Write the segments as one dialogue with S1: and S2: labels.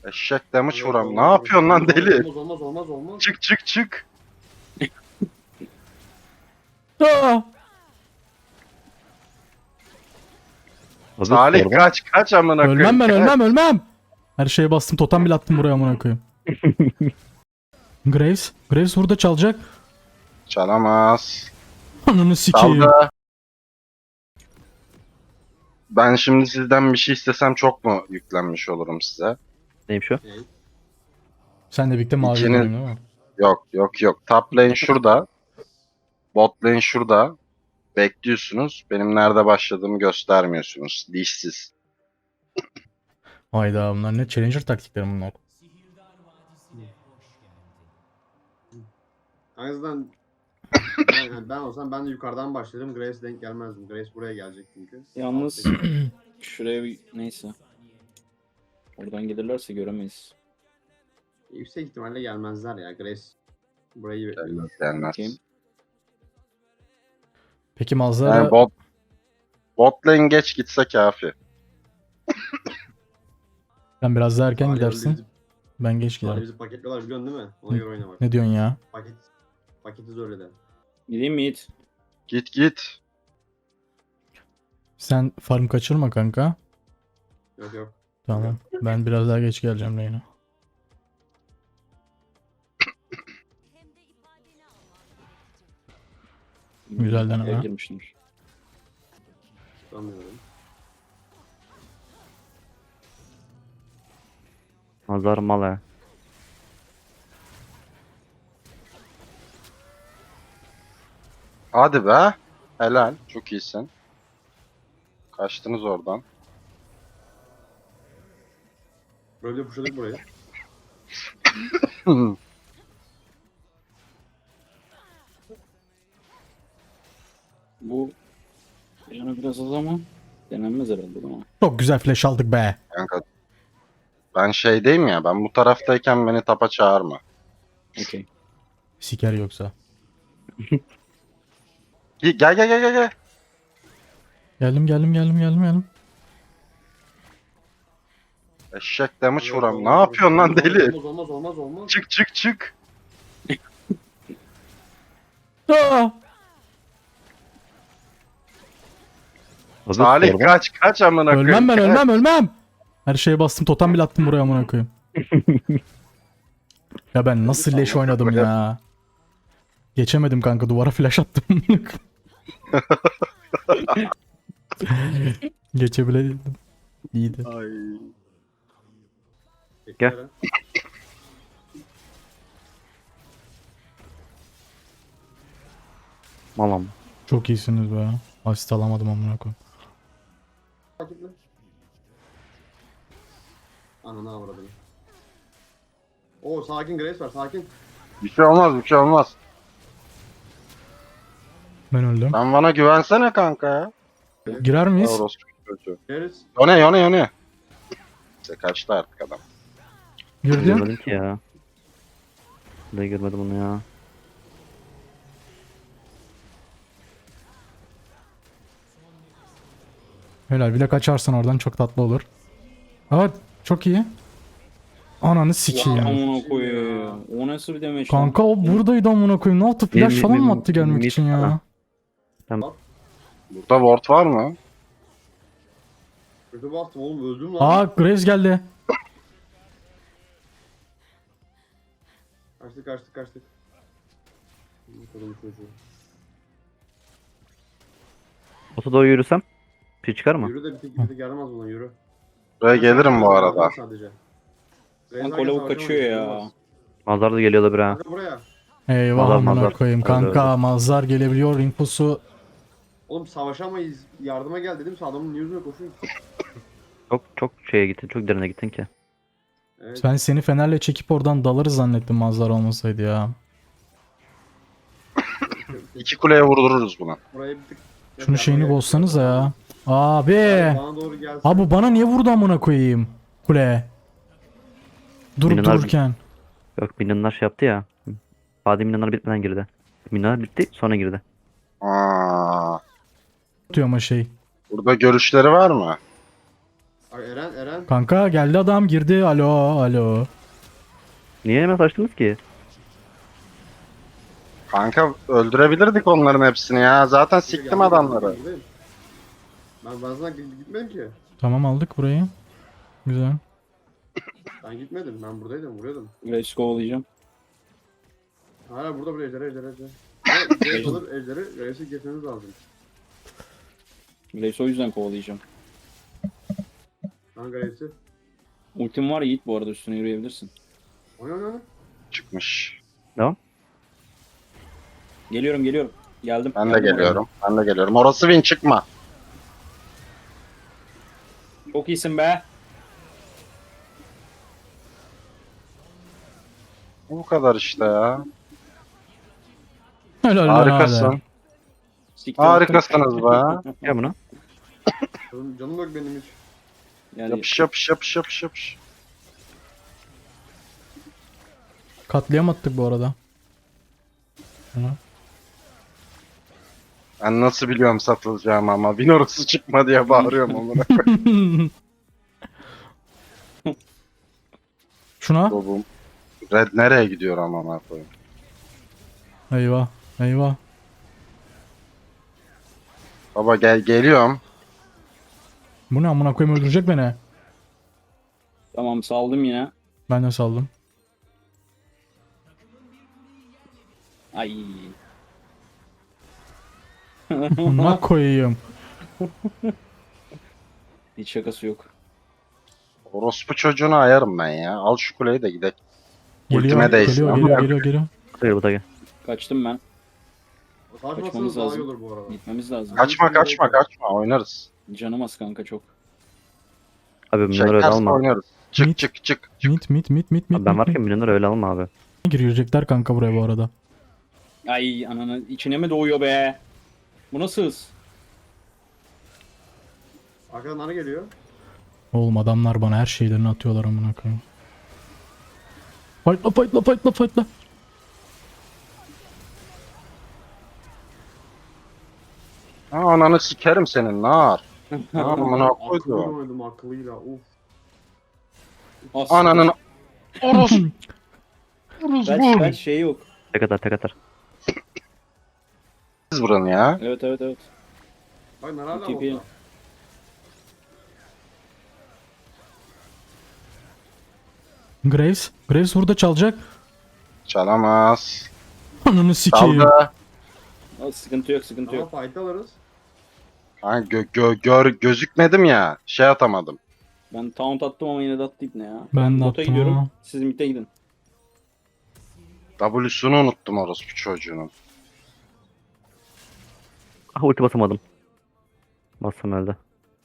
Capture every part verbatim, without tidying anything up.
S1: Eşek damage
S2: Evet,
S1: vuram. Ne
S2: olmaz,
S1: yapıyorsun lan
S2: olmaz,
S1: deli?
S2: Olmaz olmaz olmaz olmaz.
S1: Çık çık çık.
S3: Aa!
S4: Abi
S1: Salih
S4: sorma.
S1: kaç kaç amına koyayım.
S3: Ölmem ben
S1: kaç.
S3: ölmem ölmem. Her şeye bastım, totem bile attım buraya amına koyayım. Graves. Graves burada çalacak.
S1: Çalamaz.
S3: Ananı sikeyim.
S1: Dalga. Ben şimdi sizden bir şey istesem çok mu yüklenmiş olurum size?
S4: Neymiş o?
S2: Şey,
S3: Sen de birlikte mavi
S1: İkiniz-
S3: dönüyorsun değil mi?
S1: Yok yok yok. Top lane şurada. Bot lane şurada. Bekliyorsunuz. Benim nerede başladığımı göstermiyorsunuz. Dişsiz.
S3: Hayda, bunlar ne challenger taktikleri bunlar.
S2: en azından ben, yani ben olsam ben de yukarıdan başlarım. Grace denk gelmezdim. Grace buraya gelecek çünkü.
S5: Yalnız şuraya bir neyse. Oradan gelirlerse göremeyiz.
S2: Yüksek ihtimalle gelmezler ya. Grace burayı bekliyor.
S1: Gelmez gelmez.
S5: Bakayım.
S3: Peki Mazlara
S1: Yani bot, bot lane geç gitse kafi.
S3: sen biraz daha erken
S2: Salih
S3: gidersin.
S2: bizi-
S3: Ben geç
S2: Salih
S3: giderim.
S2: bizi paketliyorlar biliyorsun değil mi? Ona göre oyna bak.
S3: Ne diyorsun ya?
S2: Paket, paketi zor eder.
S5: Gideyim mi Yiğit?
S1: Git git.
S3: Sen farm kaçırma kanka.
S2: Yok yok.
S3: Tamam. Ben biraz daha geç geleceğim Reyna. Güzel deneme.
S5: Eve girmişler.
S2: Tutamıyorum.
S4: Nazar mal ha.
S1: Hadi be. Helal. Çok iyisin. Kaçtınız oradan.
S2: Böyle pushladık burayı.
S5: Bu yani biraz az ama denenmez herhalde ama.
S3: Çok güzel flash aldık be.
S1: Kanka. Ben şeydeyim ya. Ben bu taraftayken beni tapa çağırma.
S5: Okey.
S3: Siker yoksa.
S1: Gel gel gel gel gel.
S3: Geldim geldim geldim geldim geldim.
S1: Eşek damage
S2: Evet,
S1: vuram. Ne
S2: olmaz,
S1: yapıyorsun lan
S2: olmaz,
S1: deli?
S2: Olmaz olmaz olmaz olmaz.
S1: Çık çık çık.
S3: Aa!
S4: Abi
S1: Salih
S4: sorma.
S1: kaç kaç amına koyayım.
S3: Ölmem ben
S1: kaç.
S3: ölmem ölmem. Her şeye bastım, totem bile attım buraya amına koyayım. Ya ben nasıl leş oynadım ya. Geçemedim kanka, duvara flash attım. Geçebileydim. İyiydi.
S1: Ay.
S2: Bekle.
S4: Malam.
S3: Çok iyisiniz be. Asist alamadım amına koyayım.
S2: Paketle. Ananı avradım. Oo sakin Grace var sakin.
S1: Bir şey olmaz bir şey olmaz.
S3: Ben öldüm.
S1: Sen bana güvensene kanka ya.
S3: Girer miyiz?
S1: Orospu çocuğu.
S2: Grace.
S1: Yone yone yone. İşte kaçtı artık adam.
S3: Girdim.
S4: Görmedim ki ya. Ben de görmedim onu ya.
S3: Helal, bir de kaçarsan oradan çok tatlı olur. Evet, çok iyi. Ananı sikeyim.
S5: Amına koyayım. O nasıl bir demeç
S3: Kanka o buradaydı amına koyayım. Ne yaptı? Flash
S4: Mi-
S3: falan
S4: mi-
S3: mı attı gelmek
S4: mi-
S3: için ya?
S4: ha.
S1: Burada ward var mı?
S2: Kötü bastım oğlum öldüm lan.
S3: Aa, Graves geldi.
S2: Kaçtık kaçtık kaçtık. Bakalım çocuğu.
S4: Ota doğru yürüsem. Bir şey çıkar mı?
S2: Yürü de bir tek bir tek yaramaz buna yürü.
S1: Buraya gelirim bu arada.
S2: Sadece.
S5: Kanka Lavuk kaçıyor ya.
S4: Mazhar da geliyor da bir ha.
S2: Kanka buraya.
S3: Eyvah
S4: Mazhar,
S3: amına
S4: mazhar.
S3: koyayım.
S4: Öyle,
S3: Kanka
S4: öyle.
S3: Mazhar gelebiliyor. Infosu.
S2: Oğlum savaşamayız. Yardıma gel dedim. Adamın yüzüne koşuyor.
S4: Çok çok şeye gittin. Çok derine gittin ki.
S2: Evet.
S3: Ben seni fenerle çekip oradan dalarız zannettim Mazhar olmasaydı ya.
S1: İki kuleye vurdururuz buna.
S2: Buraya bir tık.
S3: Şunu şeyini bozsanız ya. Abi.
S2: Bana doğru gelsin.
S3: Abi bana niye vurdu amına koyayım? Kule. Durup
S4: Minnolar-
S3: dururken.
S4: Yok milyonlar şey yaptı ya. Fadi milyonlar bitmeden girdi. Milyonlar bitti sonra girdi.
S1: Aa,
S3: Diyor ama şey.
S1: burada görüşleri var mı?
S2: Ay Eren Eren.
S3: Kanka geldi adam girdi. Alo alo.
S4: Niye hemen açtınız ki?
S1: Kanka öldürebilirdik onların hepsini ya. Zaten
S2: Geldim,
S1: siktim
S2: geldim,
S1: adamları.
S2: buradayım. Ben ben sana git- gitmedim ki.
S3: Tamam aldık burayı. Güzel.
S2: Ben gitmedim. Ben buradaydım. Vuruyordum.
S5: Grace kovalayacağım.
S2: Hala burada bir ejderi ejderi ejderi. Evet, Grace alır ejderi. Grace'i geçmemiz lazım.
S5: Grace o yüzden kovalayacağım.
S2: Ben Grace'i.
S5: Ultim var Yiğit bu arada, üstüne yürüyebilirsin.
S2: Oyna oyna oyna.
S1: Çıkmış.
S4: Devam.
S5: Geliyorum geliyorum. Geldim.
S1: Ben de
S5: Geldim oraya.
S1: geliyorum. Ben de geliyorum. Orası win çıkma.
S5: Çok iyisin be.
S1: Bu kadar işte ya.
S3: Helal lan
S1: Harikasın.
S3: abi.
S5: Siktir
S1: Harikasınız be.
S4: Gel buna.
S2: Canım, canım yok benim hiç.
S5: Yani
S1: Yapış yapış yapış yapış yapış.
S3: Katliam attık bu arada. Hı.
S1: Ben nasıl biliyorum satılacağımı ama win orası çıkma diye bağırıyorum amına.
S3: Şuna.
S1: Bobum. Red nereye gidiyor amına koyayım?
S3: Eyvah. Eyvah.
S1: Baba gel geliyorum.
S3: Bu ne amına koyayım, öldürecek beni.
S5: tamam saldım yine.
S3: Ben de saldım.
S5: Ay.
S3: Amına koyayım.
S5: Hiç şakası yok.
S1: Orospu çocuğunu ayarım ben ya. Al şu kuleyi de gidelim.
S3: Geliyor,
S1: Ultime değsin.
S3: geliyor,
S1: Amına
S3: geliyor,
S1: koyayım.
S3: geliyor, geliyor.
S4: Hayır bu da gel.
S5: Kaçtım ben.
S2: Kaçmasanız
S5: Kaçmamız
S2: daha iyi
S5: lazım.
S2: olur bu arada.
S5: Gitmemiz lazım.
S1: Kaçma kaçma kaçma oynarız.
S5: Canım az kanka çok.
S4: Abi milyonları öyle
S1: Çekerse
S4: alma.
S1: oynarız. Çık
S3: Mit.
S1: çık çık. çık.
S3: Mit mit mit mit mit.
S4: Abi ben
S3: mit,
S4: varken
S3: mit.
S4: milyonları öyle alma abi.
S3: Girecekler kanka buraya bu arada.
S5: Ay ananı içine mi doğuyor be? Bu nasıl hız?
S2: Arkadan nane geliyor.
S3: Oğlum adamlar bana her şeylerini atıyorlar amına koyayım. Fightla fightla fightla fightla.
S1: Ha ananı sikerim senin nar. Amına
S2: Akıllı
S1: koydum.
S2: oynadım akıllıyla. Uf.
S5: As-
S1: Ananın orospu.
S5: Ben, ben şey yok.
S4: Tek atar tek atar.
S1: Siz buranın ya.
S5: Evet evet evet.
S2: Bak nane hala
S5: T P.
S2: botta.
S3: Graves. Graves burada çalacak.
S1: Çalamaz.
S3: Ananı sikeyim.
S1: Çaldı.
S5: Aa, sıkıntı yok sıkıntı
S2: Ama
S5: yok.
S2: fight alırız.
S1: Ha, gö gö gör gözükmedim ya. Şey atamadım.
S5: Ben taunt attım ama yine de attı ne ya.
S3: Ben de
S5: Bota
S3: attım
S5: gidiyorum.
S3: ama.
S5: Siz mid'e gidin.
S1: W'sunu unuttum orospu çocuğunun.
S4: Ah ulti basamadım. Bassam öldü.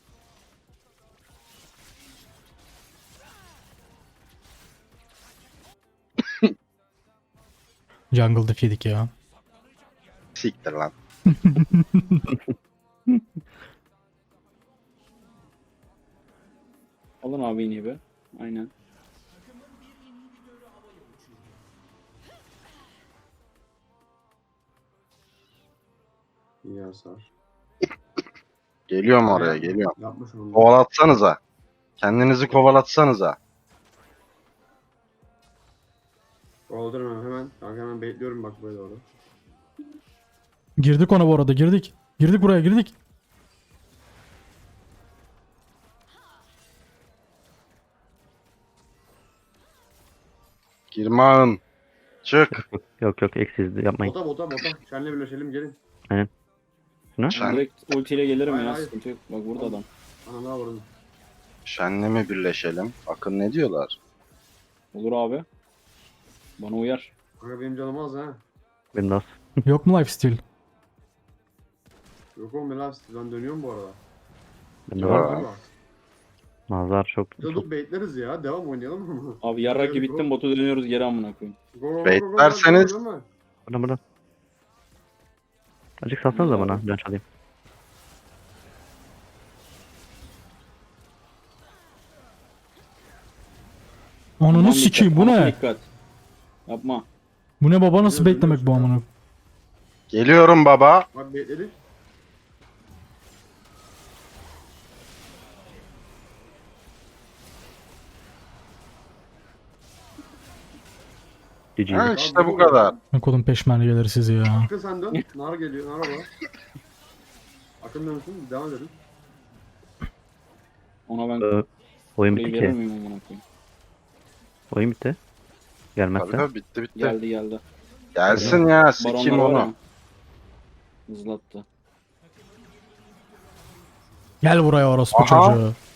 S3: Jungle diff yedik ya.
S1: Siktir lan.
S5: Alın abi yine be. Aynen.
S2: İyi hasar.
S1: Geliyorum oraya geliyorum.
S2: Yapmış onu.
S1: Kovalatsanıza. Kendinizi kovalatsanıza.
S2: Kovalatırım hemen. Kanka hemen bekliyorum bak böyle doğru.
S3: Girdik ona bu arada, girdik. Girdik buraya, girdik.
S1: Girmağın. Çık.
S4: Yok yok eksiz yapmayın.
S2: Bota bota bota. Senle birleşelim gelin.
S4: Ne?
S5: Ben
S1: Şen,
S5: direkt ultiyle gelirim
S2: Hayır,
S5: ya.
S2: hayır.
S5: Sıkıntı yok. Bak burada adam.
S2: Ana ne vurdum.
S1: şenle mi birleşelim? Bakın ne diyorlar.
S5: Olur abi. Bana uyar.
S2: Kanka benim canım az ha.
S4: Benim de az.
S3: Yok mu lifesteal?
S2: Yok oğlum ben ben dönüyorum bu arada.
S4: Benim de
S1: Ya.
S4: var.
S2: Var mı?
S4: Nazar çok.
S2: Ya
S4: çok.
S2: dur baitleriz ya. Devam oynayalım mı?
S5: Abi yarrak gibi
S2: Go,
S5: bittim, botu dönüyoruz geri amına koyayım.
S2: Go, go, go, go, go,
S1: Baitlerseniz-
S2: go, go, go.
S4: Buradan buradan. Azıcık salsanız da bana. Ben çalayım.
S3: Ananı
S5: Aman
S3: sikeyim,
S5: dikkat,
S3: bu
S5: aman
S3: ne?
S5: Dikkat. Yapma.
S3: Bu ne baba, nasıl
S2: Dönüyor,
S3: beklemek bu
S2: dönüyor.
S3: amına?
S1: Geliyorum baba.
S2: Bak baitledik.
S4: G G.
S1: Ha, işte bu kadar.
S3: Ne kodun peşmergeleri sizi ya.
S2: Akın sen dön. Nar geliyor. Nar orada. Akın dönsün. Devam edelim.
S5: Ona ben
S4: Ee, oyun
S5: kuleyi
S4: bitti
S5: verir
S4: ki.
S5: miyim amına koyayım?
S4: Oyun bitti.
S1: Tabii
S4: Gelmezse.
S1: tabii bitti bitti.
S5: Geldi geldi.
S1: Gelsin ya sikeyim
S5: Baronlar var
S1: onu.
S5: ya. Hızlattı.
S3: Gel buraya orospu
S1: Aha.
S3: çocuğu.